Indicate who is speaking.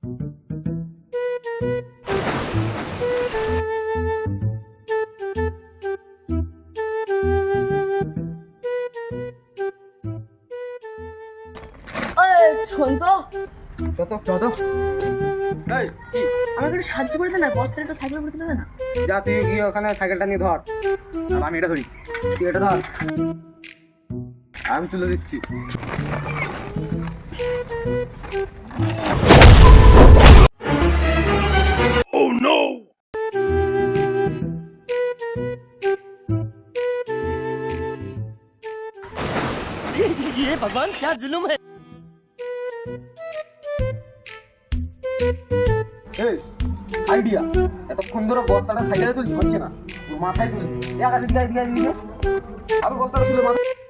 Speaker 1: শোন তো,
Speaker 2: যত যত এই কি
Speaker 1: আমাকে একটু সাহায্য করে দে না, বস্তাটা একটু সাইকেল করে দিলে না।
Speaker 2: যা, তুই গিয়ে ওখানে সাইকেলটা নিয়ে ধর, আর আমি এটা ধরি। তুই এটা ধর, আমি তুলে দিচ্ছি।
Speaker 3: ये भगवान क्या जुल्म है।
Speaker 2: এই আইডিয়া, এতক্ষণ ধরে বস্তাটা সাইকেলে তুলছি, হচ্ছে না, তোর মাথায় তুলে আকাশে দিকে দিকে আবার বস্তাটা তুলে মাথায়